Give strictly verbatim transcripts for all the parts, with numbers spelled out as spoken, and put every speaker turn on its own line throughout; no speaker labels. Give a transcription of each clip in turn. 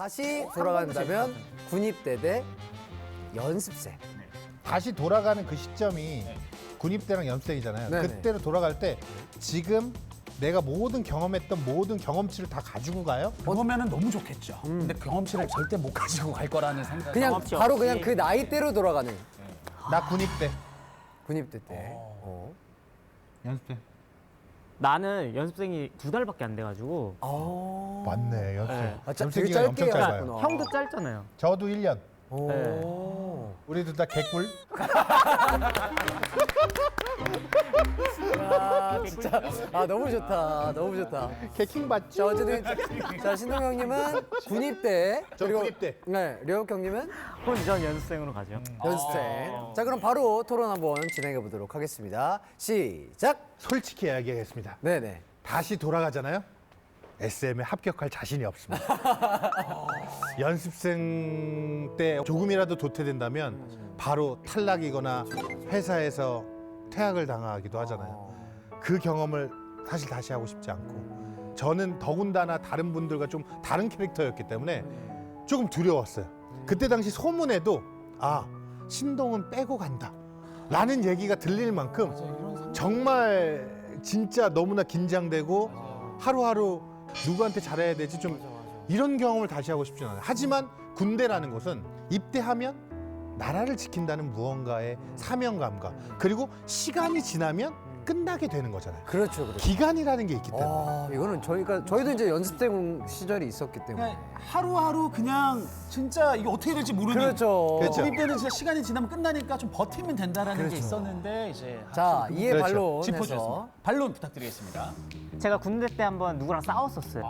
다시 돌아간다면 군입대 대 연습생.
다시 돌아가는 그 시점이 군입대랑 연습생이잖아요.
네네.
그때로 돌아갈 때 지금 내가 모든 경험했던 모든 경험치를 다 가지고 가요?
그러면은 너무 좋겠죠. 근데 경험치를 절대 못 가지고 갈 거라는 생각.
그냥
경험치
바로
없이.
그냥 그 나이대로 돌아가는
나 군입대.
군입대 때. 어.
연습생.
나는 연습생이 두 달밖에 안 돼가지고
어.
맞네, 연습생.
네.
아, 짜-
연습생
되게
기간이 엄청
짧게
짧아요.
하셨구나.
형도 짧잖아요.
저도 일 년.
오.
우리도 다 개꿀.
아, 진짜. 아, 너무 좋다. 너무 좋다.
개킹
자,
맞죠?
어쨌든. 자, 신동 형님은 군입대.
저
그리고-
군입대.
네, 려욱 형님은
그럼 전 연습생으로 가죠.
연습생. 자, 그럼 바로 토론 한번 진행해 보도록 하겠습니다. 시작!
솔직히 이야기하겠습니다.
네네.
다시 돌아가잖아요. 에스엠에 합격할 자신이 없습니다. 연습생 때 조금이라도 도태된다면 바로 탈락이거나 회사에서 퇴학을 당하기도 하잖아요. 그 경험을 사실 다시 하고 싶지 않고 저는 더군다나 다른 분들과 좀 다른 캐릭터였기 때문에 조금 두려웠어요. 그때 당시 소문에도 아, 신동은 빼고 간다 라는 얘기가 들릴 만큼 정말 진짜 너무나 긴장되고 하루하루 누구한테 잘해야 되지 좀 이런 경험을 다시 하고 싶진 않아요. 하지만 군대라는 것은 입대하면 나라를 지킨다는 무언가의 사명감과 그리고 시간이 지나면 끝나게 되는 거잖아요.
그렇죠, 그렇죠.
기간이라는 게 있기 때문에.
아, 이거는 저희가, 저희도 이제 연습생 시절이 있었기 때문에.
그냥 하루하루 그냥 진짜 이게 어떻게 될지 모르는.
그렇죠.
그렇죠.
군입대는 진짜 시간이 지나면 끝나니까 좀 버티면 된다라는 게
그렇죠.
있었는데 이제
자,
확실히
이해
그렇죠.
반론해서.
짚어주셨습니다. 반론 부탁드리겠습니다.
제가 군대 때 한번 누구랑 싸웠었어요.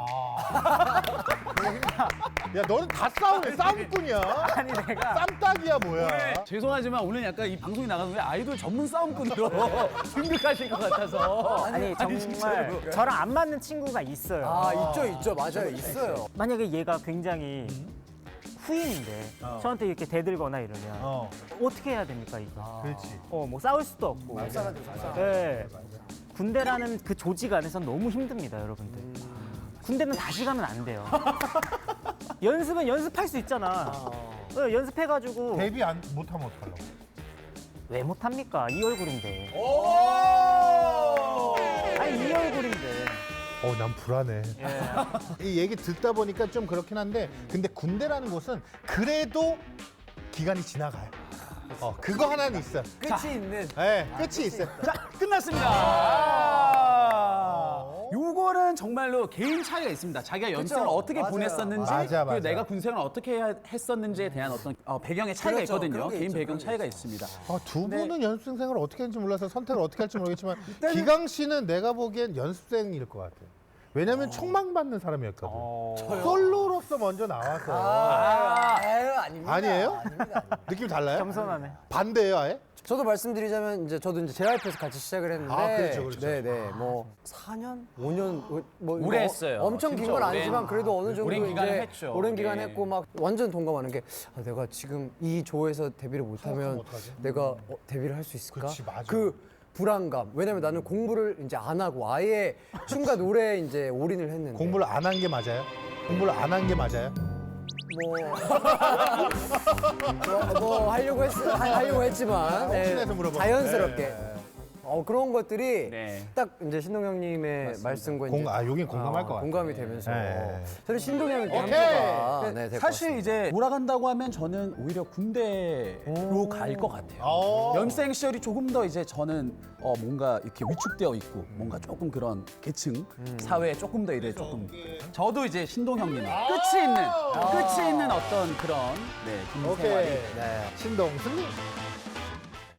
야, 너는 다 싸우네. 싸움꾼이야.
아니 내가
쌈딱이야 뭐야.
죄송하지만 오늘 약간 이 방송이 나가는 게 아이돌 전문 싸움꾼으로 준비하실 것 같아서.
아니 정말
진짜로.
저랑 안 맞는 친구가 있어요.
아, 있죠, 있죠. 맞아요. 있어요.
만약에 얘가 굉장히 후임인데 저한테 이렇게 대들거나 이러면
어,
어. 떻게 해야 됩니까 이거?
그렇지.
어 뭐 싸울 수도 없고. 네. 군대라는 그 조직 안에서 너무 힘듭니다, 여러분들. 군대는 다시 가면 안 돼요. 연습은 연습할 수 있잖아. 어, 연습해가지고
데뷔 안 못하면 어떡하려고.
왜 못합니까? 이 얼굴인데. 아니 이 얼굴인데.
어, 난 불안해. 이 얘기 듣다 보니까 좀 그렇긴 한데, 근데 군대라는 곳은 그래도 기간이 지나가요. 어, 그거 하나는 있어.
끝이 있는.
네, 끝이 있어요.
자, 끝났습니다. 아~ 요거는 정말로 개인 차이가 있습니다. 자기가 연습생을 어떻게
맞아요.
보냈었는지,
맞아, 맞아.
그리고 내가 군생을 어떻게 해야- 했었는지에 대한 어떤 어, 배경의 차이가
그렇죠.
있거든요.
그런 게
개인
있죠.
배경
그런 게
차이가
있죠.
있습니다.
아, 두
네.
분은 연습생 생활을 어떻게 했는지 몰라서 선택을 어떻게 할지 모르겠지만 기강 씨는 내가 보기엔 연습생일 것 같아요. 왜냐면 촉망받는 사람이었거든. 솔로로서 먼저 나와서.
아, 아유, 아닙니다.
아니에요?
아닙니다. 아닙니다.
느낌 달라요?
겸손하네.
반대예요, 아예?
저도 말씀드리자면 이제 저도 이제 제이와이피에서 같이 시작을 했는데
아, 그렇죠, 그렇죠.
네, 네. 뭐 사 년, 오 년 뭐
오래
어,
했어요.
엄청 긴
진짜
건
오랜-
아니지만 그래도 어느 정도
오랜 기간을
이제
했죠.
오랜 기간
네.
했고 막 완전 동감하는 게 아, 내가 지금 이 조에서 데뷔를 못 하면
어떡하지?
내가 어, 데뷔를 할 수 있을까?
그렇지, 맞아.
그 불안감. 왜냐면 나는 공부를 이제 안 하고 아예 춤과 노래에 이제 올인을 했는데
공부를 안 한 게 맞아요? 공부를 안 한 게 맞아요?
뭐, 뭐, 뭐 하려고 했 하- 하려고 했지만 네,
혹시나 해서 물어봐.
자연스럽게 어, 그런 것들이
네.
딱 이제 신동 형님의 말씀과
공,
이제
아, 여긴 공감할 것 같아요.
공감이 되면서
네.
저는 신동 형님께 한
오케이.
표가 네, 될것
사실
같습니다.
이제 돌아간다고 하면 저는 오히려 군대로 갈 것 같아요.
오.
연생 시절이 조금 더 이제 저는 어 뭔가 이렇게 위축되어 있고 뭔가 조금 그런 계층 사회에 조금 더 이래 조금 저도 이제 신동 형님 끝이 있는 끝이 있는 어떤 그런 네, 군
오케이.
생활이
네.
신동 승리.